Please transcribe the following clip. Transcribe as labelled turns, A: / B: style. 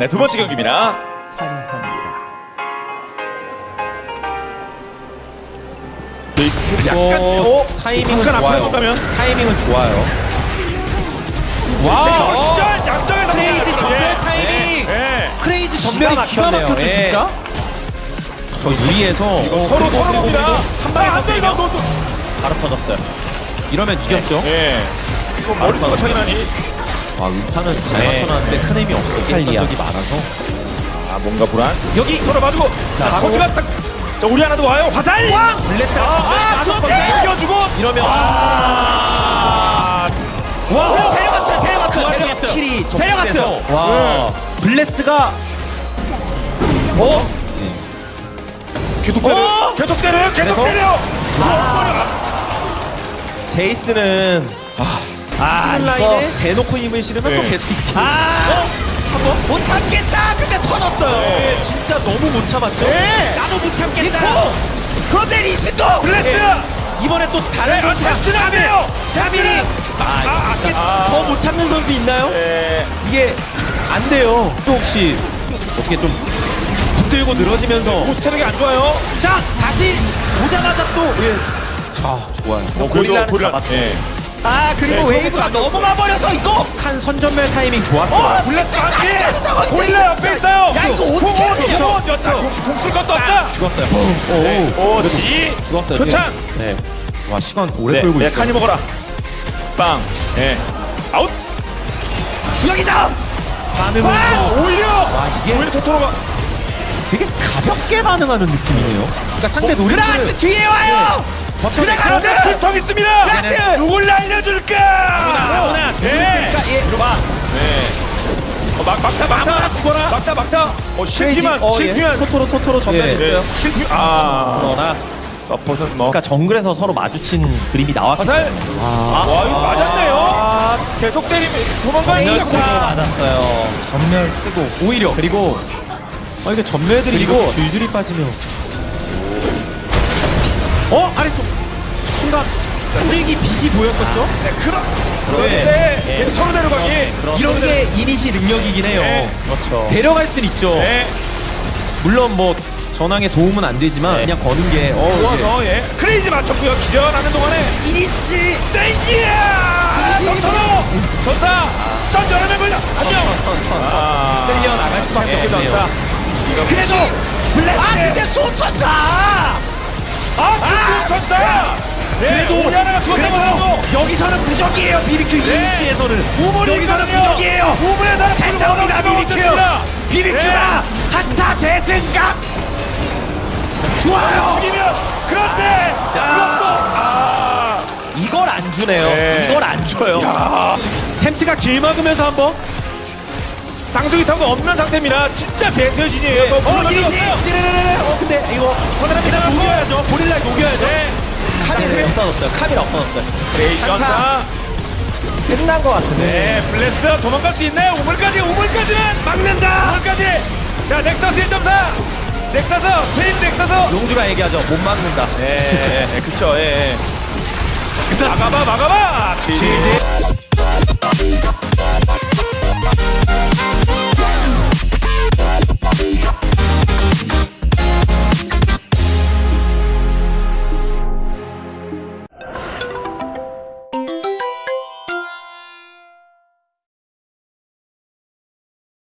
A: 네, 두 번째 경기입니다.
B: 환합니다.
C: 그리고 타이밍은
A: 약간 앞으로
C: 좋아요.
A: 가면
C: 타이밍은 좋아요.
A: 와, 진짜 양쪽에서
C: 크레이지 전멸 타이밍. 크레이지 전멸이 기가
B: 막혔네요.
C: 막혔죠
B: 예.
C: 진짜. 저 유리에서
A: 서로 서로입니다.
C: 한 방에
A: 안 돼, 이거 너.
B: 바로 터졌어요.
C: 이러면 이겼죠.
A: 예. 이거 머릿수가 차이 나니?
C: 와 음파는 잘
B: 네.
C: 맞춰놨는데 큰 힘이 없어.
B: 이탈리아.
C: 적이 많아서.
A: 아, 뭔가 불안.
C: 여기
A: 서로 맞고. 자,
C: 바로.
A: 코치가 딱. 자, 우리 하나도 와요. 화살!
C: 블레스가
A: 이겨주고.
C: 이러면
A: 와,
B: 데려갔어요.
C: 스킬이
B: 데려갔어요.
C: 와 블레스가
A: 계속 때려. 계속 때려. 계속
C: 그래서?
A: 때려.
C: 제이스는 라인에 대놓고 힘을 실으면 또
A: 네.
C: 계속 이기고.
B: 한번 못 참겠다. 근데 터졌어요.
C: 네, 진짜 너무 못 참았죠.
B: 네.
C: 나도 못 참겠다.
B: 그런데 리신도
A: 블레스!
C: 이번에 또 다른 선수
A: 잡지는 안 돼요.
C: 타밀이 더 못 참는 선수 있나요?
A: 예.
C: 이게 안 돼요. 또 혹시 어떻게 좀 붙들고 늘어지면서
A: 모스테력이 안 좋아요.
C: 자 다시 오자마자 또 자 좋아요.
B: 고릴라는 잡았어요.
A: 예.
B: 그리고
A: 네,
B: 웨이브가 넘어가 버려서 이거
C: 칸 선전멸 타이밍 좋았어요.
A: 블레스 안
B: 진짜
A: 돼.
B: 안 되는 상황인데,
A: 고릴라
B: 이거
A: 옆에
B: 진짜.
A: 있어요.
B: 야, 이거 어떻게 해야 돼요?
A: 자, 궁쓸 것도 없다.
C: 죽었어요.
A: 오, 지.
C: 죽었어요.
A: 표창.
C: 네. 와 시간 오래
A: 네,
C: 끌고
A: 네,
C: 있어요.
A: 칸이 먹어라. 빵. 예. 아웃.
B: 여기다
C: 반응은 또
A: 오히려.
C: 이게
A: 오히려 토토로가.
C: 되게 가볍게 반응하는 느낌이네요. 그러니까 상대
B: 그라스
C: 노리스를
B: 뒤에 와요.
A: 그런데 술통 있습니다.
B: 그라스!
A: 누굴 알려줄까?
C: 아무나
A: 네.
C: 그러니까 예.
A: 들어봐. 네. 막타.
C: 아무나 죽어라.
A: 막타. 실패만.
C: 토토로 전멸했어요.
A: 네. 실패. 아.
B: 그러나
A: 서폿은 뭐.
B: 그러니까 정글에서 서로 마주친 그림이 나왔기
A: 화살.
B: 때문에
A: 와, 이거 맞았네요. 계속 때리면 도망가는
B: 페이스가 맞았어요.
C: 전멸 쓰고 오히려 그리고 이게 전멸들이
B: 그리고
C: 이거 줄줄이 빠지면 아래쪽 순간 한줄기 빛이 보였었죠?
A: 네, 그런데
C: 네.
A: 서로 데려가기.
C: 이런 게 이니시 능력이긴 해요.
A: 네.
B: 그렇죠.
C: 데려갈 순 있죠.
A: 네.
C: 물론 뭐 전황에 도움은 안 되지만 그냥 거는 게
A: 좋아서 예. 크레이지 맞췄고요. 기절하는 동안에
C: 이니시
A: 땡기야. 토토로 전사 스턴 여러 명 걸려. 안녕.
C: 쓸려 나갈 수밖에
A: 네,
C: 없네요.
A: 전사.
C: 그래도
B: 블레스 근데 수천사
A: 전사.
C: 그래도
A: 우리 하나가
C: 그래도
A: 죽었다고.
C: 여기서는 무적이에요. 비비큐 이니시에서는 여기서는
A: 우물이거든요.
C: 무적이에요.
A: 우물에 나라
C: 잘 싸웁니다 비비큐. 비비큐가 한타 대승각 좋아요.
A: 죽이면 그런데 이것도
B: 이걸 안 주네요.
A: 네.
B: 이걸 안 줘요.
C: 템트가 길 막으면서 한번
A: 쌍둥이 타고 없는 상태입니다. 진짜 배세진이에요.
C: 이니시 근데 이거
A: 코너를
C: 녹여야죠. 고릴라 녹여야죠.
B: 카밀 없어졌어요. 카밀 없어졌어요.
A: 크레이지 전사.
B: 끝난 것 같은데.
A: 네, 블레스 도망갈 수 있나요? 우물까지는 막는다. 우물까지. 자, 넥서스 1.4. 넥서스, 트윈 넥서스.
C: 용주가 얘기하죠. 못 막는다.
A: 네, 그쵸. 예. 막아봐. 지지.